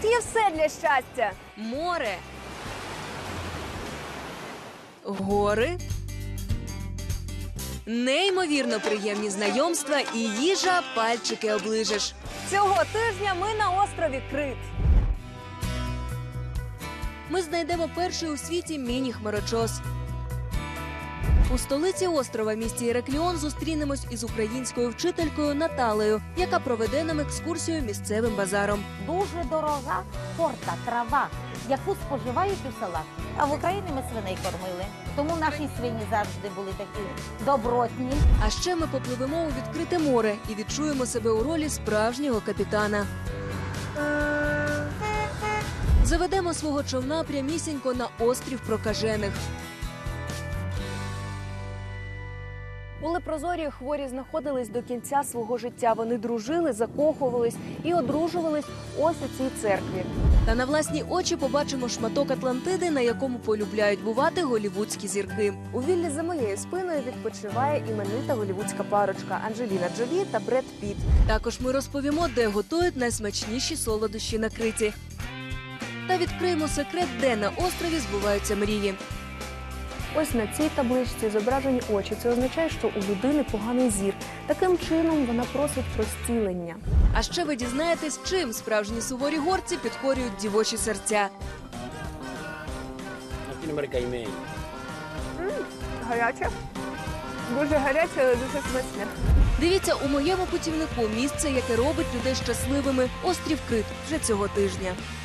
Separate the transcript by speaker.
Speaker 1: є все для щастя.
Speaker 2: Море, гори, неймовірно приємні знайомства і їжа, пальчики оближеш.
Speaker 1: Цього тижня ми на острові Крит.
Speaker 2: Ми знайдемо перший у світі міні-хмарочос. У столиці острова, місті Іракліон, зустрінемось із українською вчителькою Наталею, яка проведе нам екскурсію місцевим базаром.
Speaker 3: Дуже дорога порта, трава, яку споживають у селах. А в Україні ми свиней кормили. Тому наші свині завжди були такі добротні.
Speaker 2: А ще ми попливемо у відкрите море і відчуємо себе у ролі справжнього капітана. Заведемо свого човна прямісінько на острів Прокажених.
Speaker 1: У Лепрозорії хворі знаходились до кінця свого життя. Вони дружили, закохувались і одружувались ось у цій церкві.
Speaker 2: Та на власні очі побачимо шматок Атлантиди, на якому полюбляють бувати голівудські зірки.
Speaker 1: У віллі за моєю спиною відпочиває іменита голівудська парочка Анджеліна Джолі та Бред Піт.
Speaker 2: Також ми розповімо, де готують найсмачніші солодощі на Криті. Та відкриємо секрет, де на острові збуваються мрії.
Speaker 1: Ось на цій табличці зображені очі. Це означає, що у людини поганий зір. Таким чином вона просить про зцілення.
Speaker 2: А ще ви дізнаєтесь, чим справжні суворі горці підкорюють дівочі серця.
Speaker 1: Гаряче. Дуже гаряче, але дуже смачне.
Speaker 2: Дивіться у моєму путівнику місце, яке робить людей щасливими – острів Крит вже цього тижня.